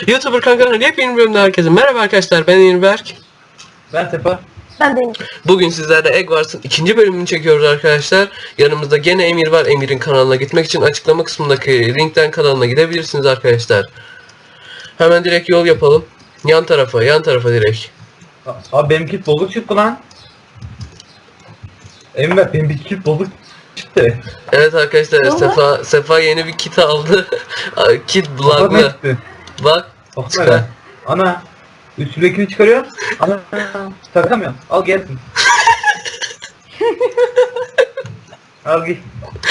YouTuber kankaların yepyeni bölümde herkese merhaba arkadaşlar, ben Enberk. Ben Sefa. Ben de. Bugün sizlerle Egg Wars'ın ikinci bölümünü çekiyoruz arkadaşlar. Yanımızda gene Emir var. Emir'in kanalına gitmek için açıklama kısmındaki linkten kanalına gidebilirsiniz arkadaşlar. Hemen direkt yol yapalım. Yan tarafa direkt. Abi benimki bozuk çıktı lan. Emre benimki kit bozuk çıktı. Evet arkadaşlar, Vallahi. Sefa yeni bir kit aldı. Kit Bak ne bug'lı. çıktı? Bak. Bak Çıkar. böyle. Ana. Üstündekini çıkarıyor. Ana. Takamıyorum. Al gelsin. Al git.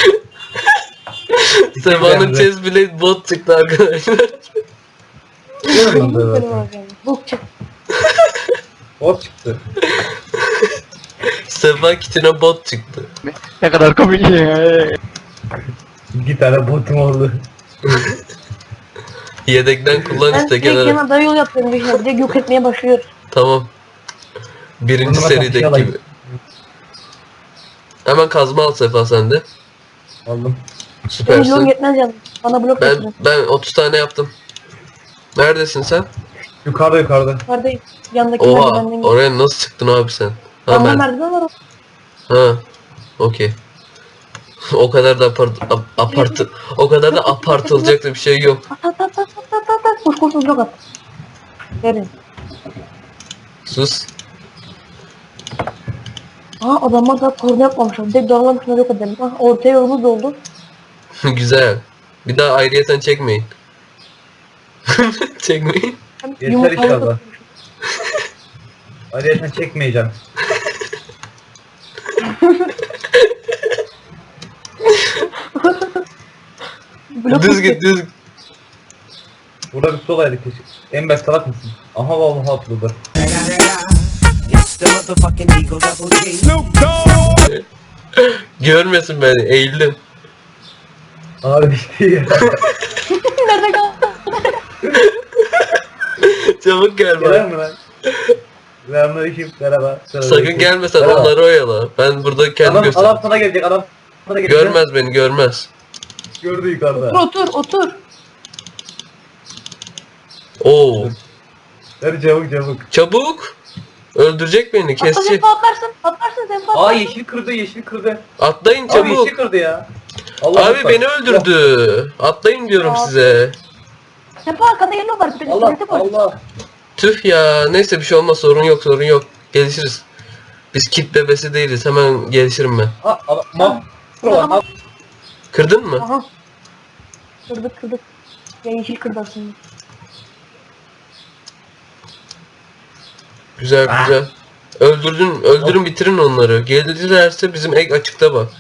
Sefa'nın chest blade bot çıktı arkadaşlar. Görüyorum ben böyle. Bu çık. Bot çıktı. Sefa kitine bot çıktı. Ne kadar komik ya. 2 tane botum oldu. Yedekten kullan Ben işte direkt kenara. yana yol yapıyorum bir şey. Direkt yok etmeye başlıyor. Tamam. Birinci Onunla serideki kapışalım. gibi. Hemen kazma al Sefa sen de. Aldım. Benim yol Süpersin. yetmez yalnız. Bana blok getirin. Ben 30 tane yaptım. Neredesin sen? Yukarıda. Yukarıdayım. Yandaki Oha, merdivenden gel. oraya nasıl çıktın abi sen? Ha, Yanında ben. merdiven var. Ha. Okey. O kadar da o kadar da apartılacak da bir şey yok. At. Koş blok at. Verin. Sus. Aa adamlar da korna yapmamışlar. Direkt dağlarım şuna yok edelim. Ah ortaya yolumuz oldu. Güzel. Bir daha ayrıyeten çekmeyin. Çekmeyin. Hem Yeter yumurtayı inşallah. da- Hadi sen çekmeyeceğim. Blok Düz at. git düz. Burada bir solaydı keşke. Emre salak mısın? Aha vallahi atladı. It's the motherfucking Eagle Double G. Görmesin beni. Eğildim. Abi işte ya. Nerede kaldı? Çabuk gel Gelir bak. mi lan? Selamünaleyküm. Merhaba. Sakın gelmesen Merhaba. onları oyala. Ben burada kendim göster. Adam sana gelecek. Adam sana gelecek. Görmez beni, görmez. Gördü yukarıda. Otur. Oo. Hadi çabuk. Çabuk. Öldürecek beni, Atla kesecek. sen atlarsın. Sen Aa yeşil kırdı. Atlayın Abi çabuk. yeşil kırdı ya. Allah Abi beni öldürdü. Atlayın diyorum Abi. size. Sefa arkada yellow var. Bir Allah de var. Allah. Tüh ya. Neyse bir şey olmaz. Sorun yok. Gelişiriz. Biz kit bebesi değiliz. Hemen gelişirim ben. Tamam. Kırdın mı? Aha. Kırdık. Ya yeşil kırdı aslında. Güzel. Öldürün bitirin onları. Gelirlerse bizim egg açıkta bak.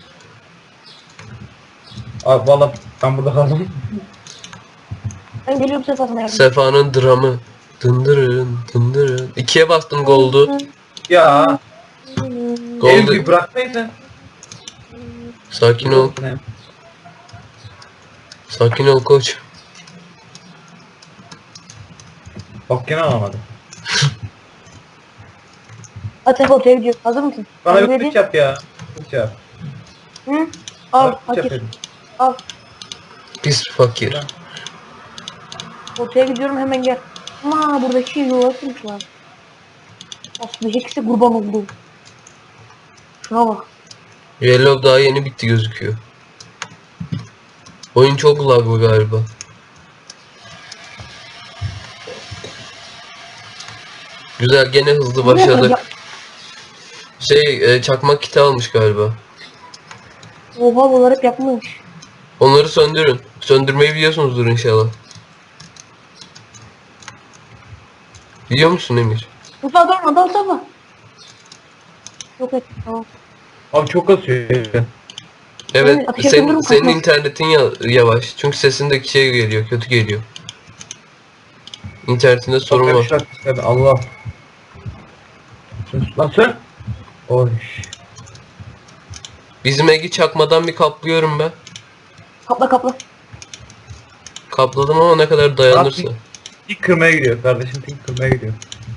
Abi valla ben burada kaldım. Ben geliyorum Sefa sana yardım. Sefa'nın dramı. Dındırın. 2'ye bastım gold'u. Ya. Gold'u. Elbi bıraksaydın. Sakin ol koç. Bak gene alamadım. Hadi Sefa ortaya gidiyoruz. Hazır mısın? Bana Hazır bir dedin. kılıç yap ya. Kılıç yap. Hı? Al. Bana kılıç yap Fakir. dedim. Al. Pis fakir. Ortaya gidiyorum hemen gel. Ama buradaki şey yola kırmışlar. Aslında hepsi kurban oldu. Şuna bak. Yellow daha yeni bitti gözüküyor. Oyun çok laglı galiba. Güzel, gene hızlı başladık. Çakmak kiti almış galiba. Oha bunlar hep yapmış. Onları söndürün. Söndürmeyi biliyorsunuzdur inşallah. Biliyor musun Emir? Sefa durma dal Sefa. Yok et tamam. Abi çok kasıyor. Evet, ateş yakınırım senin kankam. internetin yavaş. Çünkü sesindeki şey geliyor, kötü geliyor. İnternetinde sorun var. Allah. Lan sen. Oy. Bizim Egi çakmadan bir kaplıyorum ben. Kapla. Kapladım ama ne kadar dayanırsa. İlk kırmaya gidiyor kardeşim. İlk kırmaya gidiyor.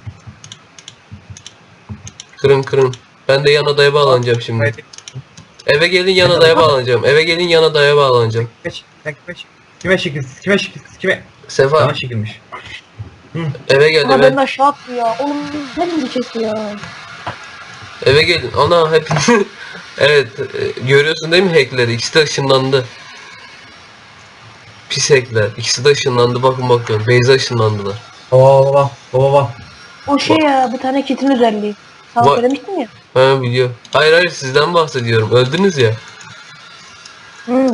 Kırın. Ben de yan adaya bağlanacağım şimdi. Eve gelin yan adaya bağlanacağım. Kime şekilsiz? Kime? Sefa Sana şekilmiş. Eve gel Ama eve. ben de aşağı attı ya. Oğlum ne diyeceksin ya? Eve gelin. Ana hep evet görüyorsun değil mi hackleri? İkisi de ışınlandı. Pis hackler. İkisi de ışınlandı. Bakın bakıyorum. Beyza ışınlandılar. Baba. O şey ya bir tane kitin özelliği. Sana Va- söylemiştim ya. Ha biliyor. Hayır hayır sizden bahsediyorum. Öldünüz ya. Hı.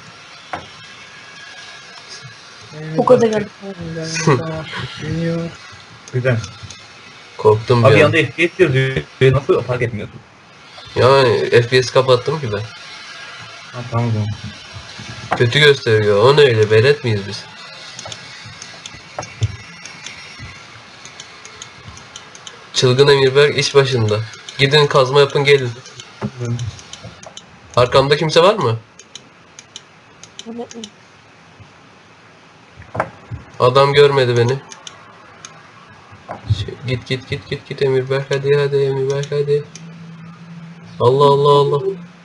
Çok özel geldi. Güzel. Korktum Abi bir an. yanında FPS yazıyor. Nasıl fark etmiyorsun? Yani FPS kapattım ki ben. Ha, tamam o zaman. Kötü gösteriyor. O ne öyle? Velet miyiz biz? Çılgın Emirberk iş başında. Gidin kazma yapın gelin. Arkamda kimse var mı? Adam görmedi beni. Git Emirberk hadi Emirberk hadi. Allah.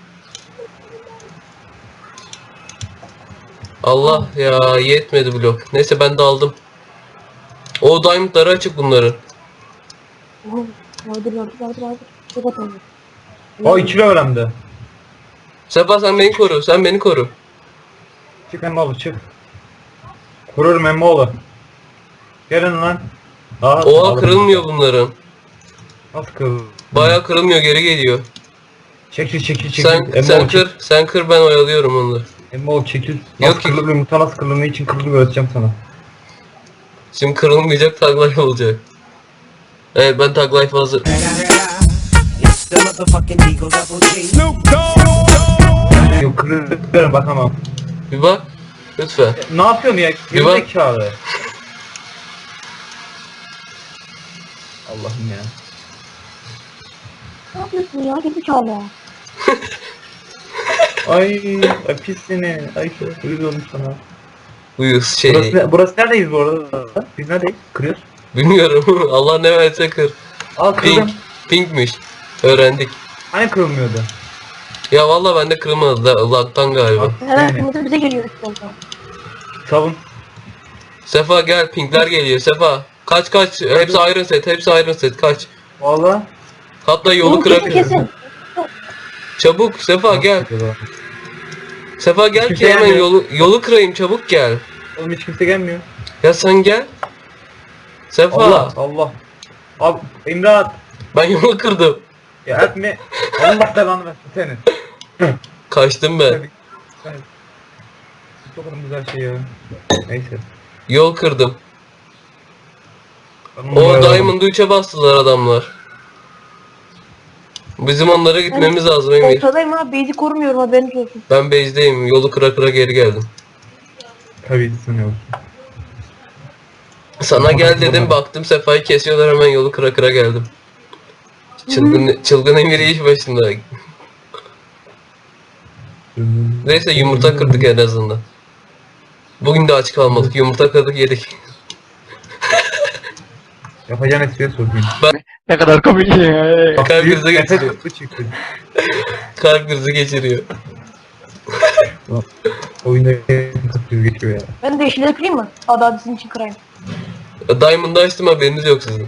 Allah ya yetmedi blok. Neyse ben de aldım. O diamondları açık bunların. Vardır. Çok atalım. O 2 kilo öğrendi. Sefa sen beni koru. Çık Emmoğlu çık. Kururum Emmoğlu. Gelin lan. Aa, Oha alırım. kırılmıyor bunların. Nasıl kırılır? Bayağı kırılmıyor geri geliyor. Çekil. Sen kır ben oyalıyorum onları. Emmoğlu çekil. Yok Nasıl ki. kırılır yumurta nasıl kırılır ne için kırılır öğreteceğim sana. Şimdi kırılmayacak tag life olacak. Evet ben tag life hazır. It's the motherfucking Eagle Double G. Yok kırılır bakamam. Bir bak. Lütfen. Ne yapıyorsun ya? Bir bak. Gerizekalı. Allah'ım ya. Ne yapıyorsun ya? Gerizekalı ya. Ay pis seni. Ay çok uyuz olmuş sana. Uyuz Burası neredeyiz bu arada? Biz neredeyiz? Kırıyoruz. Bilmiyorum. Allah ne verse kır. Al kırdım. Pinkmiş. Öğrendik. Hani kırılmıyordu? Ya valla bende kırılmadı da lag'tan galiba. Hemen Yani. kırmızı bize geliyor üstten. Savun. Sefa gel pinkler geliyor Sefa. Kaç hepsi iron set kaç. Valla. Hatta yolu Oğlum kırak. kesin. Çabuk Sefa gel. Sefa gel Kimse ki hemen gelmiyor. yolu kırayım çabuk gel. Oğlum hiç kimse gelmiyor. Ya sen gel. Sefa Allah. Abi İmdat. ben yolu kırdım. Ya etme. Allah belanı versin senin. Kaçtım ben. Çok güzel şey ya. Neyse. Yol kırdım. Ben O onları Diamond'ı 3'e bastılar adamlar. Bizim onlara gitmemiz lazım Emir. Ortadayım ha. Base'i korumuyorum haberiniz olsun. Ben base'deyim. Yolu kıra geri geldim. Tabii sanıyorum. Sana gel dedim baktım Sefa'yı kesiyorlar hemen yolu kıra geldim. Çılgın Emir iş başında. Neyse yumurta kırdık en azından. Bugün de aç kalmadık. Yumurta kırdık yedik. Yapacağın espriye sorayım. Ne kadar komik ya. Kalp krizi Nefes geçiriyor. kısmı çıktı. Kalp krizi geçiriyor. Oyunda kısmı geçiyor ya. Ben de yeşilleri kırayım mı? Hadi sizin için kırayım. Diamond'ı açtım haberiniz yok sizin.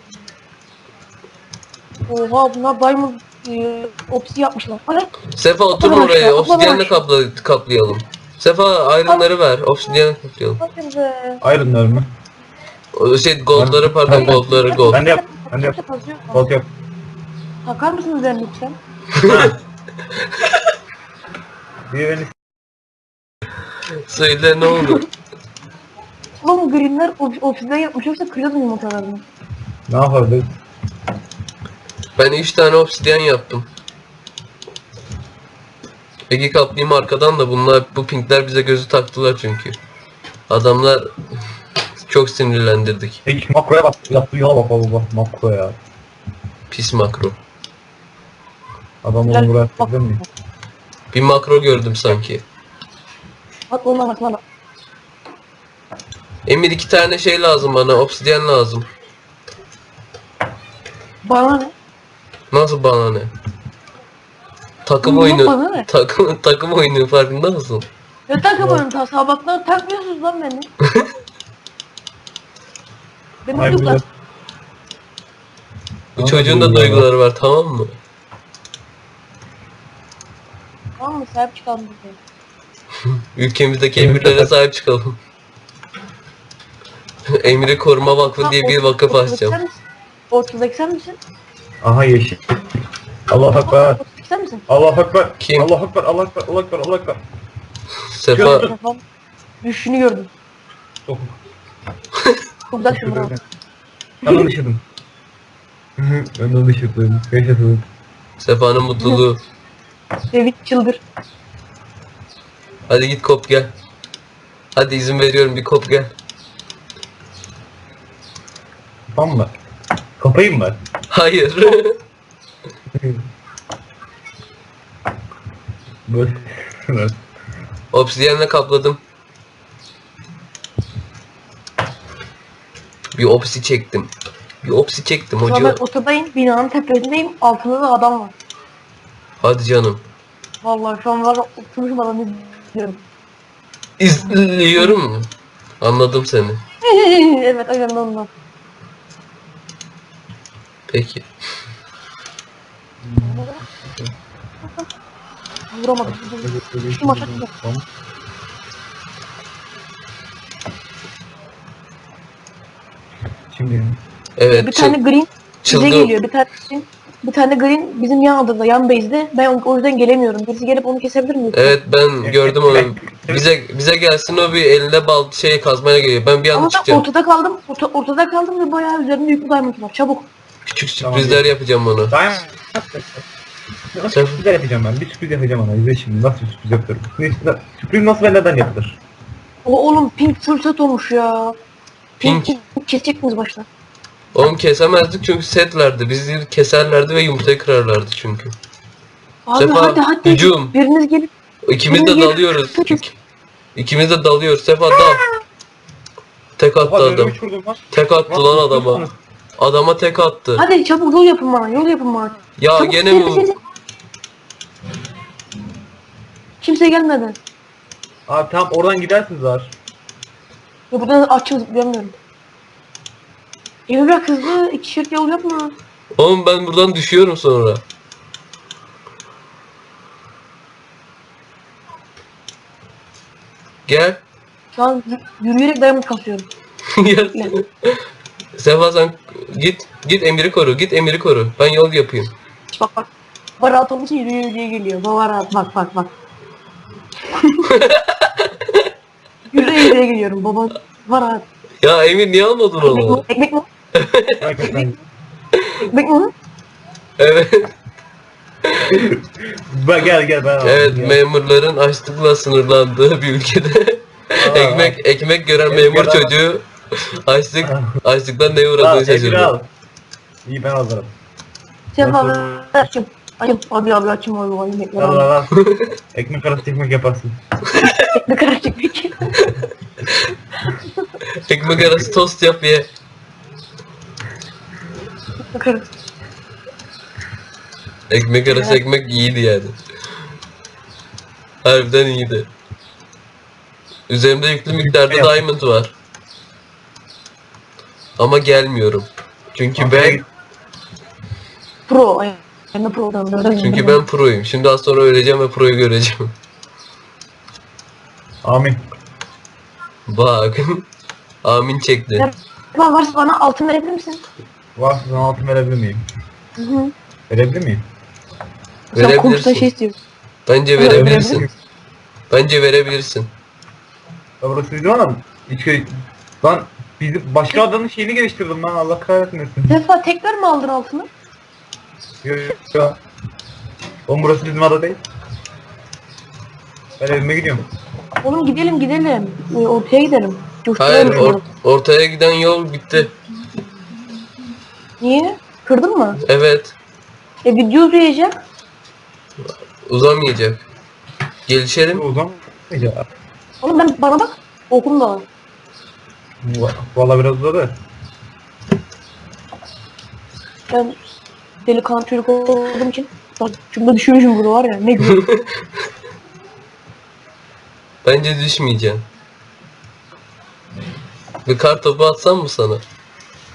Oha bunlar diamond opsi yapmışlar. Hadi. Sefa otur Atla oraya. aşağı, atla Obsidyenle aşağı. kaplayalım. Sefa iron'ları ver. Obsidyenle kaplayalım. Bakın be. Iron'lar mı? O şey gold'ları pardon gold'ları gold. Ben de yap. Gold yap. Takar mısınız ben lütfen? Bir beni Söyle ne oldu? Oğlum greenler opsiden yapmış yoksa kırıyordum yumurtalarını. ne yapardık? Ben 3 tane obsidyen yaptım. Ege kaplayayım arkadan da bunlar bu pinkler bize gözü taktılar çünkü. Adamlar çok sinirlendirdik. Hiç makroya bak. Yaptığı yola bak baba. Makro ya. Pis makro. Adam Güzel. onu buraya Bak. atabilir mi? Bir makro gördüm sanki. Bak olmaz bana. Emir 2 tane şey lazım bana. Obsidyen lazım. Bana ne? Nasıl bana ne? Takım Yok, oyunu. bana ne? Takım oyunu farkında mısın? Ne takımın ta sabahtan takmıyorsunuz lan beni. Benim Ay, çocuklar. Bu çocuğun da duyguları var, tamam mı? Tamam mı? Sahip çıkalım bize. Ülkemizdeki emirlere sahip çıkalım. Emiri Koruma Vakfı diye bir vakıf açacağım. Ortadaki sen misin? Aha yeşil. Allah Ekber. Ortadaki sen misin? Allah Ekber. Kim? Allah Ekber. Allah Ekber. Allah Ekber. Allah Ekber. Sefa, Telefon. Düşüşünü gördüm. Dokun. Çok güzel şunu bravo. Ben onu düşürdüm. Ben de onu düşürdüm. Yaşadım. Sefa'nın mutluluğu. David çıldır. Hadi git kop gel. Hadi izin veriyorum, bir kop gel. Tamam mı? Kapayım mı? Hayır. Böyle. Obsidiyenle kapladım. Bir opsi çektim. Bir opsi çektim Şu an hoca. ben ortadayım. Binanın tepesindeyim. Altında da adam var. Hadi canım. Vallahi şu an var. Oturmuşum adamı izliyorum. İzliyorum. Anladım seni. Evet aynen ondan. Peki. Vuramadım. Şu maça çıktı. Şimdi Evet. Bir tane green bize çılgın. geliyor. Bir tane green bizim yan adada, yan base'de. Ben o yüzden gelemiyorum. Birisi gelip onu kesebilir mi? Evet, ben gördüm onu. Bize gelsin, o bir elinde bal şey kazmaya geliyor. Ben bir anda Ama ben çıkacağım. ortada kaldım. Ortada kaldım ve bayağı üzerinde yüklü diamond var. Çabuk. Küçük sürprizler yapacağım ona. Daim. Nasıl sürprizler yapacağım ben? Bir sürpriz yapacağım ona. İzle şimdi nasıl bir sürpriz yapıyorum. Sürpriz nasıl ve neden yapılır? Oğlum pink full set olmuş ya. Pink. Kesecek miyiz başta? Oğlum kesemezdik çünkü setlerdi. Bizi keserlerdi ve yumurtayı kırarlardı çünkü. Abi Sefa, hadi. hücum. Biriniz gelip İkimiz de Benim dalıyoruz. yerim- İkimiz de dalıyoruz. Sefa dal. Tek attı adam. Tek attı lan adama. Adama tek attı. hadi çabuk yol yapın bana. Yol yapın bana. Ya Çabuk, gene seri, mi? seri. Kimse gelmedi. Abi tamam oradan gidersiniz var. Ya buradan açım zıplayamıyorum. Evi bırak hızlı. 2 yol yapma. Oğlum ben buradan düşüyorum sonra. Gel. Şu an yürüyerek diamond kasıyorum. Gel. Sefa sen git Emir'i koru. Git Emir'i koru. Ben yol yapayım. Bak. Baba rahat olunca yürüye geliyor. Baba rahat bak. Yürüye geliyorum baba. Var rahat. Ya Emir niye almadın Ekmek mi? onu? Ekmek mi? Hakikaten. Ekmek mi? Evet. Gel ben Evet, alayım, gel. memurların açlıkla sınırlandığı bir ülkede ekmek gören memur çocuğu açlıktan neye Al, uğradığını Emir al. şaşırdı. İyi ben alırım. Sen abi açım. Abi açım abi ekmekler Al abi. al al. Ekmek arası ekmek yaparsın. Ekmek arası ekmek. Ekmek arası tost yap ye. Ekmek arası. Ekmek arası ekmek iyiydi yani. Harbiden iyiydi. Üzerimde yüklü miktarda diamond var. Ama gelmiyorum. Çünkü ben Pro. Ben de pro'dan. çünkü ben proyum. Şimdi az sonra öleceğim ve proyu göreceğim. Amin. Bak. Amin çekti. Baba varsa bana altın verebilir misin? Varsa sana altın verebilir miyim? Hı. Verebilir miyim? Sen Verebilirsin. komşudan şey istiyorsun. Bence Evet, verebilirsin. verebilirim. Bence verebilirsin. Ya burası bizim adam. Lan bizim başka adamın şeyini geliştirdim lan Allah kahretmesin. Defa tekrar mı aldın altını? Yok. Oğlum burası bizim ada değil. Ben evime gidiyorum. Oğlum gidelim. Ortaya gidelim. Hayır, Coşturalım. ortaya giden yol bitti. Niye? Kırdın mı? Evet, Video izleyeceğim. uzamayacak. Gelişelim. O zaman ya. Oğlum bana bak. Okum da var. Valla biraz uzadı. Ben delikanlı çocuk olduğum için. Bak şurada düşürmüşüm bunu var ya. Ne güzel. Bence düşmeyeceksin. Bir kar topu atsam mı sana?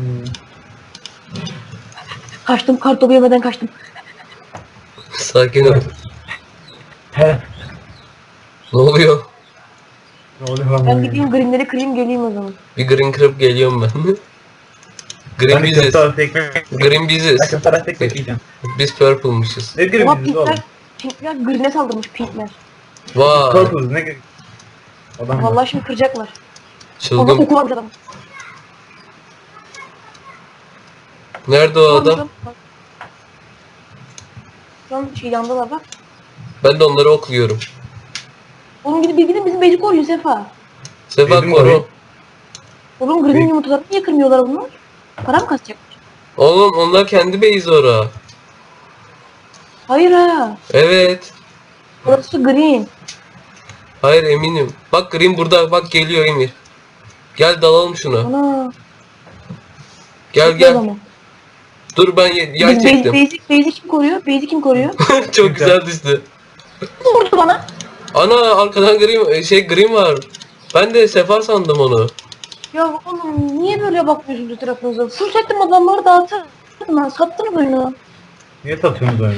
Kaçtım, kartopu yemeden kaçtım. Sakin ol. He. Ne oluyor? Ne oluyor lan? Ben gideyim greenleri kırayım geleyim o zaman. Bir green kırıp geliyorum ben. Green Ben de biziz. köfte arası ekmek. Green biziz. Ben köfte arası ekmek yiyeceğim. Biz purple'mışız. Ne Ama diyorsun biz oğlum? pinkler green'e saldırmış pinkler. Vay. Purple'ız ne gerek? Adam Vallahi şimdi kıracaklar. Ama Çılgın. koku varmış adam. Nerede o adam? Şu an şey yandalar bak. Ben de onları okluyorum. Oğlum gidin bizim beyci koruyor Sefa. Sefa Bizim koru. orayı- Oğlum green'in yumurtalarını niye kırmıyorlar bunlar? Para mı kasacak? Oğlum onlar kendi base ora. Hayır ha. Evet. Orası green. Hayır eminim. Bak Green burada. Bak geliyor Emir. Gel dalalım şuna. Ana. Gel Çok o gel. zaman. Dur ben yay Biz çektim. Base'i kim koruyor? Base'i kim koruyor? Çok güzel düştü. Kim vurdu bana? Ana arkadan Green var. Ben de Sefa sandım onu. Ya oğlum niye böyle bakmıyorsunuz tarafınıza? Full settim adamları dağıtırdım ben. Sattınız oyunu. Niye satıyorsunuz öyle?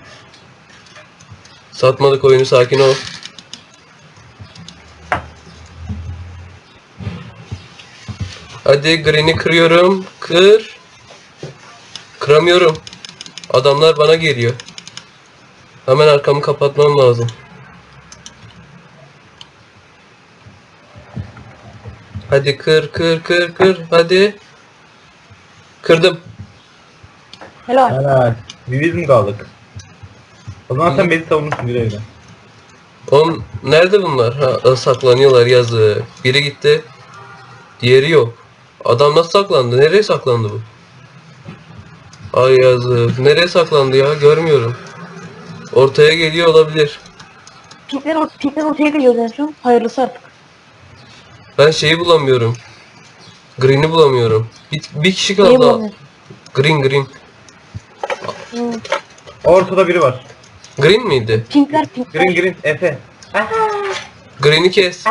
Satmadık oyunu, sakin ol. Hadi Green'i kırıyorum. Kır. Kıramıyorum. Adamlar bana geliyor. Hemen arkamı kapatmam lazım. Hadi kır. Hadi. Kırdım. Helal. Helal. Biz mi kaldık? O zaman sen beni savunursun güle güle. Oğlum nerede bunlar? Ha, saklanıyorlar yazı. Biri gitti. Diğeri yok. Adam nasıl saklandı? Nereye saklandı bu? Ay yazık. Nereye saklandı ya? Görmüyorum. Ortaya geliyor olabilir. Pinkler ortaya geliyor en son. Hayırlısı artık. Ben şeyi bulamıyorum. Green'i bulamıyorum. Bir kişi Niye kaldı. bulamıyorsun? Green. Hmm. Ortada biri var. Green miydi? Pinkler. Green Efe. Green'i kes.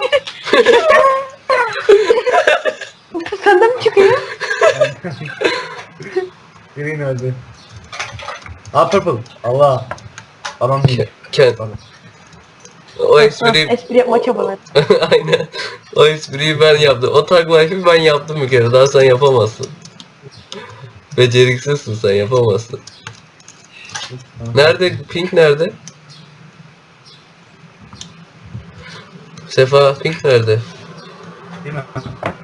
Senden mi çıkıyor? Green öldü. Aa purple. Allah. Adam değil. Ken. O espriyi... Espri yapma çabalar. Aynen. O espriyi ben yaptım. O tag life'ı ben yaptım bir kere. Daha sen yapamazsın. Beceriksizsin, sen yapamazsın. Nerede? Pink nerede? Sefa, Pink nerede? Değil mi?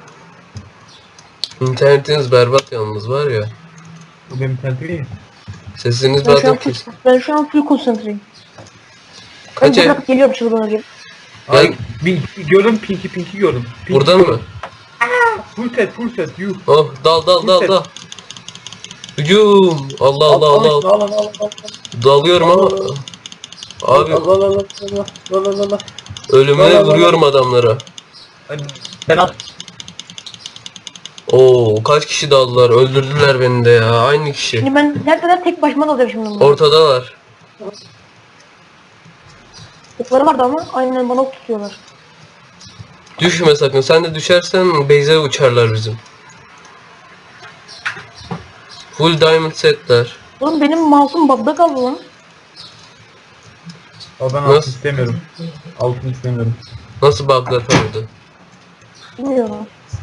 İnternetiniz berbat yalnız var ya. Bu benim tertip değil. Sesiniz Ben şu an bazen ben şu an full konsantreyim. Ben Kaç ev? bırakıp geliyorum çılgın gibi. Ay, gördüm Pinky gördüm. Pinky Burada gördüm. mı? Full set yuh. Oh, dal. Hücum. Allah. Al. Dalıyorum ama. Abi Al. ölümüne vuruyorum adamlara. Ben at. Oo, kaç kişi daldılar? Öldürdüler beni de ya. Aynı kişi. Şimdi ben neredeler tek başıma dalacağım şimdi bunları. Ortadalar. Okları vardı ama aynen bana ok tutuyorlar. Düşme sakın. Sen de düşersen base'e uçarlar bizim. Full diamond setler. Oğlum benim mouse'um bug'da kaldı lan. Al ben Nasıl? altın istemiyorum. Altın istemiyorum. Nasıl bug'lar kaldı? Bilmiyorum.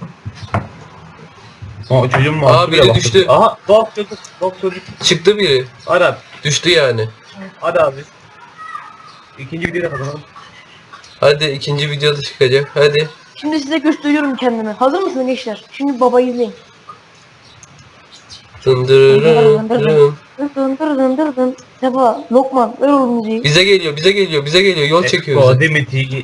Aa çocuğum mu? Aa, biri düştü. Aha dog çocuk. Çıktı biri. Hadi abi. Düştü yani. Hadi abi. İkinci videoda kazanalım. Hadi ikinci videoda çıkacak. Hadi. Şimdi size gösteriyorum kendimi. Hazır mısınız gençler? Şimdi babayı izleyin. Dındırırım. Dın. Sefa, Lokman, ver oğlum müziği. Bize geliyor. Yol çekiyor bize. Demeti.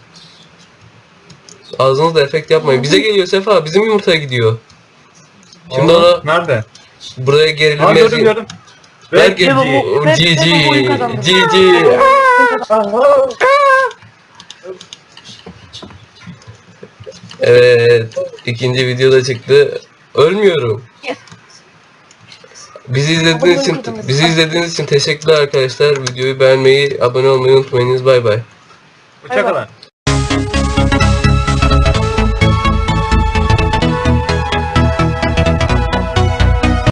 Ağzınızda efekt yapmayın. Bize geliyor Sefa. Bizim yumurtaya gidiyor. Şimdi ona Nerede? buraya Aa gerilim gördüm. Ver Red gel. Ve- GG. Evet. İkinci videoda çıktı. Ölmüyorum. Yes. Bizi izlediğiniz için teşekkürler arkadaşlar. Videoyu beğenmeyi, abone olmayı unutmayınız. Bay bay. Hoşçakalın.